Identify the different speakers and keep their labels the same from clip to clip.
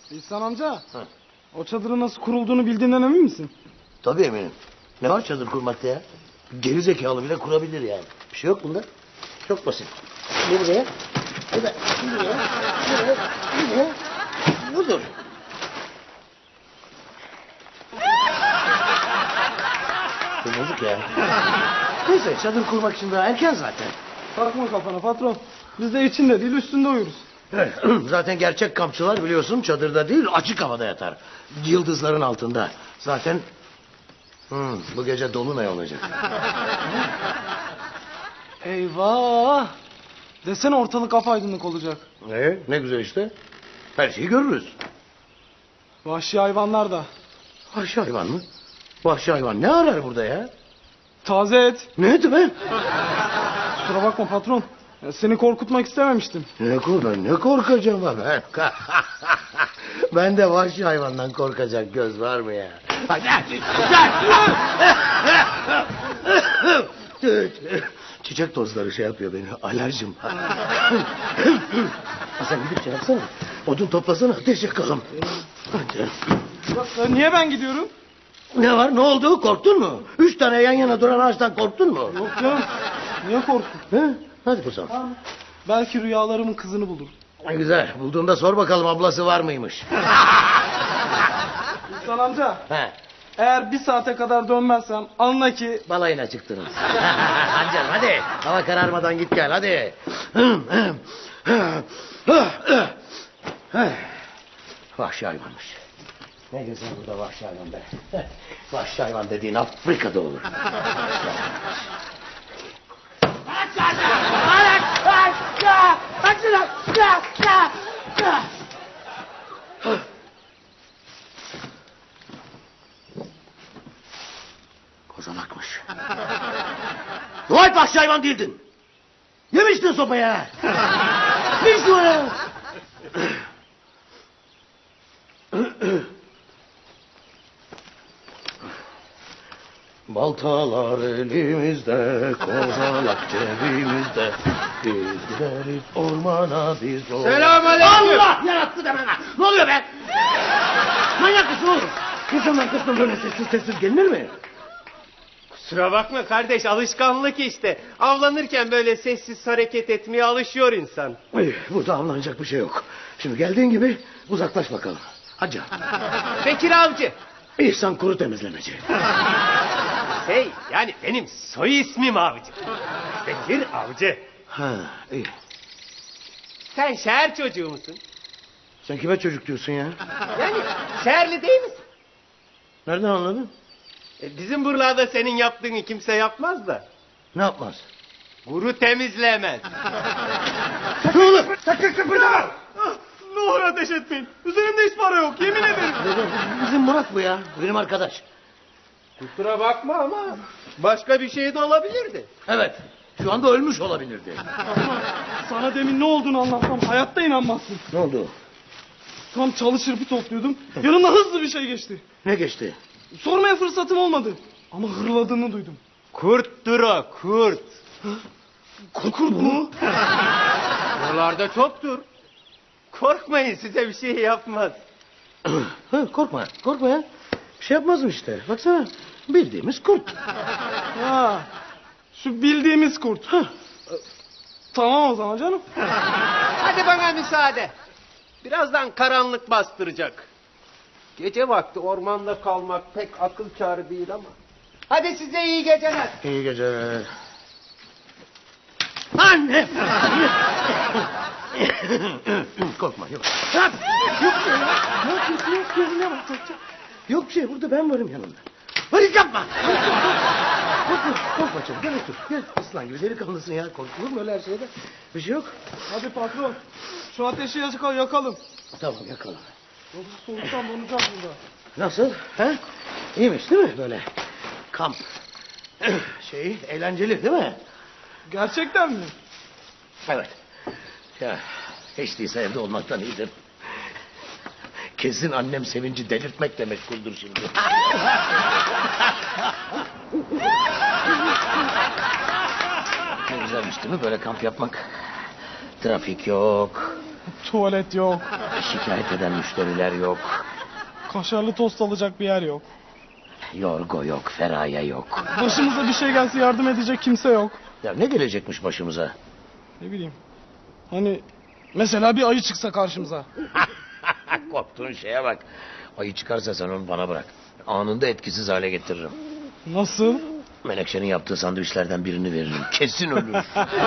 Speaker 1: İhsan amca.
Speaker 2: Ha.
Speaker 1: O çadırın nasıl kurulduğunu bildiğinden emin misin?
Speaker 2: Tabii eminim. Ne var çadır kurmakta ya? Geri zekalı bile kurabilir yani. Bir şey yok bunda. Çok basit. Bu buraya. Bu da buraya. Buraya. Budur. Bu bozuk ya. Neyse çadır kurmak için daha erken zaten.
Speaker 1: Takma kafana patron. Biz de içinde değil üstünde uyuruz.
Speaker 2: Evet, zaten gerçek kampçılar biliyorsun çadırda değil açık havada yatar. Yıldızların altında. Zaten bu gece dolunay olacak.
Speaker 1: Eyvah. Desene ortalık apaydınlık olacak.
Speaker 2: Ne güzel işte. Her şeyi görürüz.
Speaker 1: Vahşi hayvanlar da.
Speaker 2: Vahşi hayvan mı? Vahşi hayvan ne arar burada ya?
Speaker 1: Taze et.
Speaker 2: Ne eti be?
Speaker 1: Kusura bakma patron. Seni korkutmak istememiştim.
Speaker 2: Ne korkacağım ben? Ben de vahşi hayvandan korkacak göz var mı ya? Çiçek tozları şey yapıyor beni. Alerjim. Sen gidip şey yapsana. Odun toplasana ateş yakalım. Hadi.
Speaker 1: Niye ben gidiyorum?
Speaker 2: Ne var ne oldu korktun mu? 3 tane yan yana duran ağaçtan korktun mu?
Speaker 1: Yok canım. Niye korktun?
Speaker 2: He? Hadi kuzum.
Speaker 1: Belki rüyalarımın kızını bulur.
Speaker 2: Güzel bulduğunda sor bakalım ablası var mıymış?
Speaker 1: İhsan amca.
Speaker 2: He.
Speaker 1: Eğer 1 saate kadar dönmezsem anla ki...
Speaker 2: Balayına çıktınız. Hadi canım hadi. Hava kararmadan git gel hadi. Vahşi hayvanmış. Ne güzel burada vahşi hayvan be. Vahşi hayvan dediğin Afrika'da olur. Kozalakmış. Dua et vahşi hayvan değildin. Yemiştin sopaya. Yemiştin o ya. Baltalar elimizde, kozalak cebimizde. Biz gideriz ormana biz o...
Speaker 3: Selamünaleyküm.
Speaker 2: Allah yarattı deme lan. Ne oluyor be? Manyak mısın oğlum? İnsanlar kısmı böyle sessiz gelinir mi?
Speaker 3: Kusura bakma kardeş, alışkanlık işte. Avlanırken böyle sessiz hareket etmeye alışıyor insan.
Speaker 2: Burada avlanacak bir şey yok. Şimdi geldiğin gibi uzaklaş bakalım. Hadi.
Speaker 3: Bekir Avcı.
Speaker 2: İhsan Kuru Temizlemeci.
Speaker 3: Yani benim soy ismim Avcı. Bekir Avcı.
Speaker 2: Ha, iyi.
Speaker 3: Sen şehir çocuğu musun?
Speaker 2: Sen kime çocuk diyorsun ya?
Speaker 3: Yani şehirli değil misin?
Speaker 2: Nereden anladın?
Speaker 3: Bizim buralarda senin yaptığını kimse yapmaz da.
Speaker 2: Ne yapmaz?
Speaker 3: Kuru temizlemez.
Speaker 2: Ne olur? Sakın kıpırdama!
Speaker 1: Ne olur ateş etmeyin. Üzerimde hiç para yok yemin ederim.
Speaker 2: Bizim Murat bu ya. Benim arkadaş.
Speaker 3: Kusura bakma ama başka bir şey de olabilirdi.
Speaker 2: Evet. Şu anda ölmüş olabilirdi.
Speaker 1: Sana demin ne olduğunu anlatsam hayatta inanmazsın.
Speaker 2: Ne oldu?
Speaker 1: Tam çalı çırpı topluyordum. Yanımda hızlı bir şey geçti.
Speaker 2: Ne geçti?
Speaker 1: Sormaya fırsatım olmadı. Ama hırladığını duydum.
Speaker 3: Kurttur o, kurt.
Speaker 1: Kurt mu?
Speaker 3: Buralarda çoktur. Korkmayın, size bir şey yapmaz.
Speaker 2: Korkma. Korkma ya. Bir şey yapmazım işte. Baksana. Bildiğimiz kurt.
Speaker 1: Ha, şu bildiğimiz kurt. Tamam o zaman canım.
Speaker 3: Hadi bana müsaade. Birazdan karanlık bastıracak. Gece vakti ormanda kalmak pek akıl kârı değil ama. Hadi size iyi geceler.
Speaker 2: İyi geceler. Anne! Korkma yok. Yok bir şey ya. Ne yapıyorsun? Yok gözüne bak. Yok bir şey burada ben varım yanında. Hadi yapma. Korkma canım gel otur. Gel aslan gibi delikanlısın ya. Korkulur mu öyle her şeyde? Bir şey yok.
Speaker 1: Hadi patron. Şu ateşi yakalım.
Speaker 2: Tamam yakalım.
Speaker 1: Yoksa soğuktan donacağız burada.
Speaker 2: Nasıl? Ha? İyiymiş değil mi böyle? Kamp. Eğlenceli değil mi?
Speaker 1: Gerçekten mi?
Speaker 2: Evet. Ya hiç değilse evde olmaktan iyidir. Kesin annem sevinci delirtmekle meşguldür şimdi. Ne güzelmiş değil mi böyle kamp yapmak? Trafik yok.
Speaker 1: Tuvalet yok.
Speaker 2: Şikayet eden müşteriler yok.
Speaker 1: Kaşarlı tost alacak bir yer yok.
Speaker 2: Yorgo yok, Feraye yok.
Speaker 1: Başımıza bir şey gelse yardım edecek kimse yok.
Speaker 2: Ya ne gelecekmiş başımıza?
Speaker 1: Ne bileyim. Hani mesela bir ayı çıksa karşımıza.
Speaker 2: Korktuğun şeye bak. Ayı çıkarsa sen onu bana bırak. Anında etkisiz hale getiririm.
Speaker 1: Nasıl?
Speaker 2: Menekşe'nin yaptığı sandviçlerden birini veririm. Kesin ölür.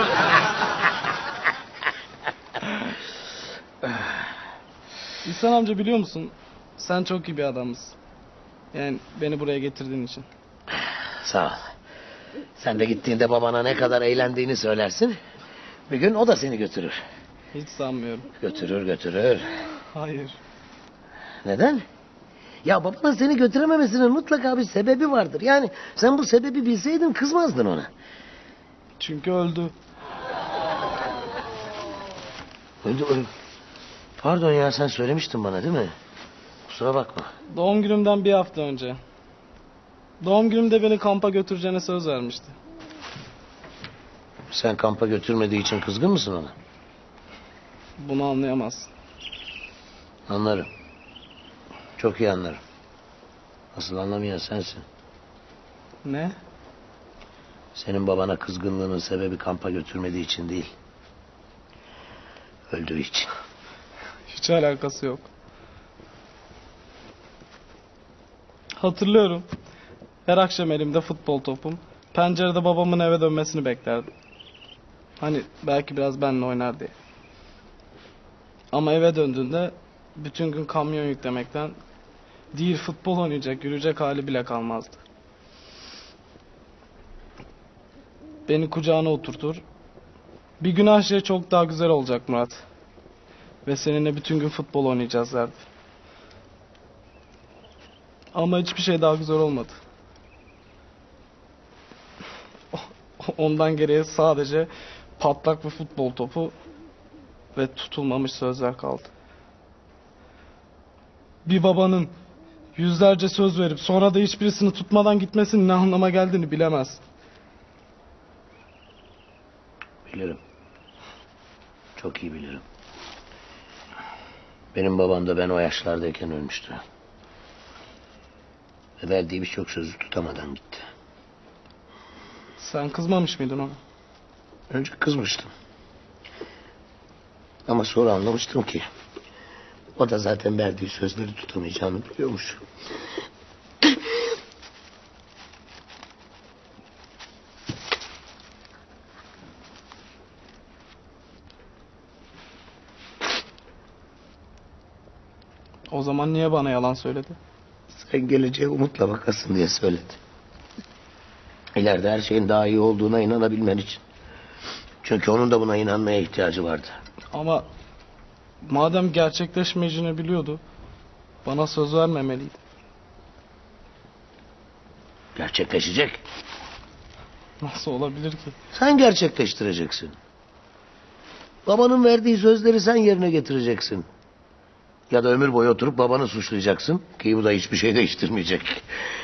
Speaker 1: İhsan amca biliyor musun? Sen çok iyi bir adamsın. Yani beni buraya getirdiğin için.
Speaker 2: Sağ ol. Sen de gittiğinde babana ne kadar eğlendiğini söylersin. Bir gün o da seni götürür.
Speaker 1: Hiç sanmıyorum.
Speaker 2: Götürür.
Speaker 1: Hayır.
Speaker 2: Neden? Ya babanın seni götürememesinin mutlaka bir sebebi vardır. Yani sen bu sebebi bilseydin kızmazdın ona.
Speaker 1: Çünkü öldü.
Speaker 2: Öldü. Pardon ya, sen söylemiştin bana değil mi? Kusura bakma.
Speaker 1: Doğum günümden bir hafta önce. Doğum günümde beni kampa götüreceğine söz vermişti.
Speaker 2: Sen kampa götürmediği için kızgın mısın ona?
Speaker 1: Bunu anlayamazsın.
Speaker 2: Anlarım. Çok iyi anlarım. Asıl anlamayan sensin.
Speaker 1: Ne?
Speaker 2: Senin babana kızgınlığının sebebi kampa götürmediği için değil. Öldüğü için.
Speaker 1: Hiç alakası yok. Hatırlıyorum. Her akşam elimde futbol topum. Pencerede babamın eve dönmesini beklerdim. Hani belki biraz benimle oynar diye. Ama eve döndüğünde bütün gün kamyon yüklemekten değil futbol oynayacak, yürüyecek hali bile kalmazdı. Beni kucağına oturtur. Bir gün her şey çok daha güzel olacak Murat. Ve seninle bütün gün futbol oynayacağız derdi. Ama hiçbir şey daha güzel olmadı. Ondan geriye sadece patlak bir futbol topu ve tutulmamış sözler kaldı. Bir babanın yüzlerce söz verip sonra da hiçbirisini tutmadan gitmesinin ne anlama geldiğini bilemez.
Speaker 2: Bilirim. Çok iyi bilirim. Benim babam da ben o yaşlardayken ölmüştü. Ve verdiği birçok sözü tutamadan gitti.
Speaker 1: Sen kızmamış mıydın ona?
Speaker 2: Önce kızmıştım. Ama sonra anlamıştım ki o da zaten verdiği sözleri tutamayacağını biliyormuş.
Speaker 1: O zaman niye bana yalan söyledi?
Speaker 2: Sen geleceğe umutla bakasın diye söyledi. İleride her şeyin daha iyi olduğuna inanabilmen için. Çünkü onun da buna inanmaya ihtiyacı vardı.
Speaker 1: Ama madem gerçekleşmeyeceğini biliyordu, bana söz vermemeliydi.
Speaker 2: Gerçekleşecek.
Speaker 1: Nasıl olabilir ki?
Speaker 2: Sen gerçekleştireceksin. Babanın verdiği sözleri sen yerine getireceksin. Ya da ömür boyu oturup babanı suçlayacaksın. Ki bu da hiçbir şey değiştirmeyecek.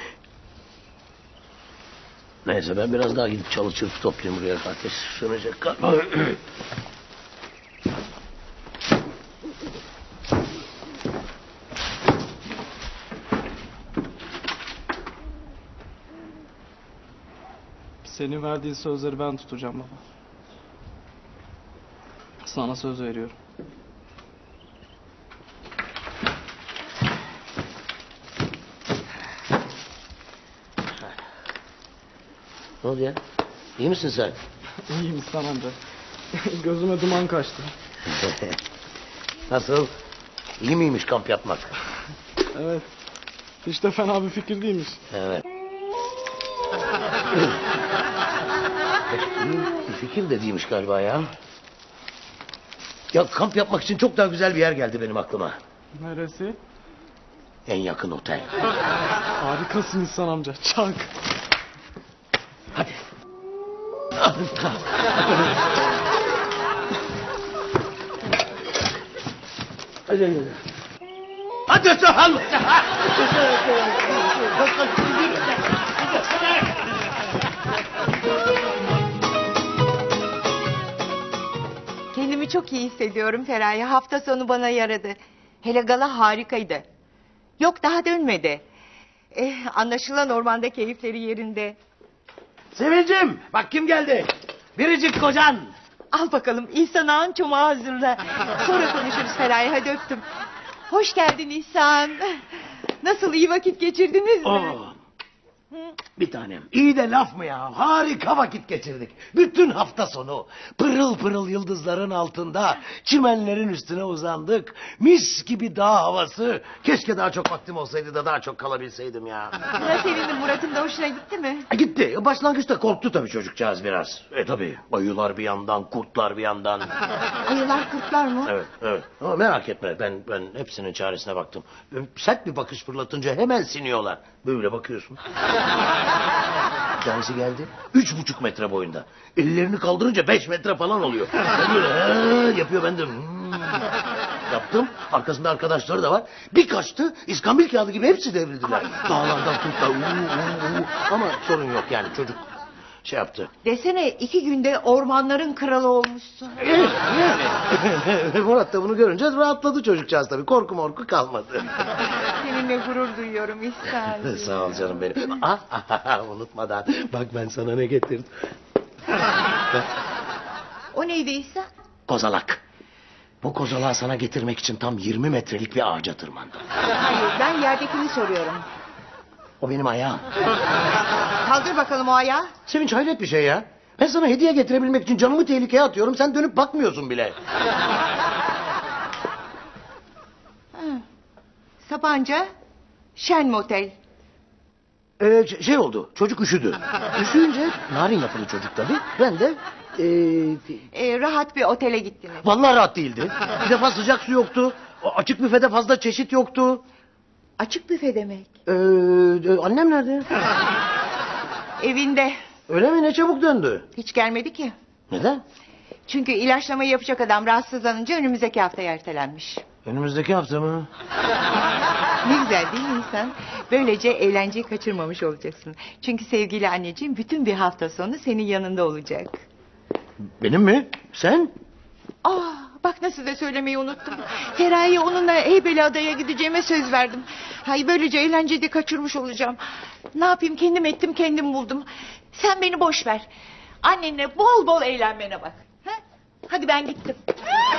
Speaker 2: Neyse, ben biraz daha gidip çalı çırpı toplayayım buraya. Ateş sönecek galiba.
Speaker 1: Senin verdiğin sözleri ben tutacağım baba. Sana söz veriyorum.
Speaker 2: Ne oldu ya? İyi misin sen?
Speaker 1: İyiyim İhsan amca. Gözüme duman kaçtı.
Speaker 2: Nasıl? İyi miymiş kamp yapmak?
Speaker 1: Evet. Hiç de fena bir fikir değilmiş.
Speaker 2: Evet. İyi bir fikir de değilmiş galiba ya. Ya kamp yapmak için çok daha güzel bir yer geldi benim aklıma.
Speaker 1: Neresi?
Speaker 2: En yakın otel.
Speaker 1: Harikasın İhsan amca. Çak.
Speaker 2: Hadi. Hadi. Hadi Sahan.
Speaker 4: Kendimi çok iyi hissediyorum Feraye. Hafta sonu bana yaradı. Hele gala harikaydı. Yok daha dönmedi. Anlaşılan ormanda keyifleri yerinde.
Speaker 2: Sevincim bak kim geldi. Biricik kocan.
Speaker 4: Al bakalım İhsan ağın çomağı hazırla. Sonra konuşuruz Feraye, hadi öptüm. Hoş geldin İhsan. Nasıl, iyi vakit geçirdiniz mi?
Speaker 2: Oo. Bir tanem. İyi de laf mı ya? Harika vakit geçirdik. Bütün hafta sonu pırıl pırıl yıldızların altında çimenlerin üstüne uzandık. Mis gibi dağ havası. Keşke daha çok vaktim olsaydı da daha çok kalabilseydim ya.
Speaker 4: Buna sevindim, Murat'ın da hoşuna gitti mi?
Speaker 2: Gitti. Başlangıçta korktu tabii çocukcağız biraz. Tabii. Ayılar bir yandan, kurtlar bir yandan.
Speaker 4: Ayılar kurtlar mı?
Speaker 2: Evet, evet. Ama merak etme. Ben hepsinin çaresine baktım. Sert bir bakış fırlatınca hemen siniyorlar. Böyle bakıyorsun. Bir tanesi geldi. 3,5 metre boyunda. Ellerini kaldırınca 5 metre falan oluyor. Ben böyle yapıyor, ben de yaptım. Arkasında arkadaşları da var. Bir kaçtı. İskambil kağıdı gibi hepsi devrildiler. Dağlardan kurtlar. Ama sorun yok yani, çocuk şey yaptı.
Speaker 4: Desene 2 günde ormanların kralı olmuşsun.
Speaker 2: Murat da bunu görünce rahatladı çocukcağız tabii. Korku morku kalmadı.
Speaker 4: Seninle gurur duyuyorum İhsan.
Speaker 2: Sağ ol canım benim. Unutmadan bak ben sana ne getirdim.
Speaker 4: O neydi İhsan?
Speaker 2: Kozalak. Bu kozalağı sana getirmek için tam 20 metrelik bir ağaca tırmandım.
Speaker 4: Hayır, ben yerdekini soruyorum.
Speaker 2: O benim ayağım.
Speaker 4: Kaldır bakalım o ayağı.
Speaker 2: Sevinç, hayret bir şey ya. Ben sana hediye getirebilmek için canımı tehlikeye atıyorum. Sen dönüp bakmıyorsun bile.
Speaker 4: Sapanca Şen Motel.
Speaker 2: Şey oldu. Çocuk üşüdü. Üşüyünce narin yapılı çocuk tabii. Ben de
Speaker 4: Rahat bir otele gittiniz.
Speaker 2: vallahi rahat değildi. Bir defa sıcak su yoktu. Açık büfede fazla çeşit yoktu.
Speaker 4: Açık büfe demek.
Speaker 2: Annem nerede?
Speaker 4: Evinde.
Speaker 2: Öyle mi? Ne çabuk döndü.
Speaker 4: Hiç gelmedi ki.
Speaker 2: Neden?
Speaker 4: Çünkü ilaçlamayı yapacak adam rahatsızlanınca önümüzdeki haftaya ertelenmiş.
Speaker 2: Önümüzdeki hafta mı?
Speaker 4: Ne güzel değil mi insan? Böylece eğlenceyi kaçırmamış olacaksın. Çünkü sevgili anneciğim bütün bir hafta sonu senin yanında olacak.
Speaker 2: Benim mi? Sen?
Speaker 4: Bak nasıl da söylemeyi unuttum. Feraye onunla Heybeliada'ya gideceğime söz verdim. Hay böylece eğlenceyi de kaçırmış olacağım. Ne yapayım, kendim ettim kendim buldum. Sen beni boş ver. Annenle bol bol eğlenmene bak. Ha? Hadi ben gittim.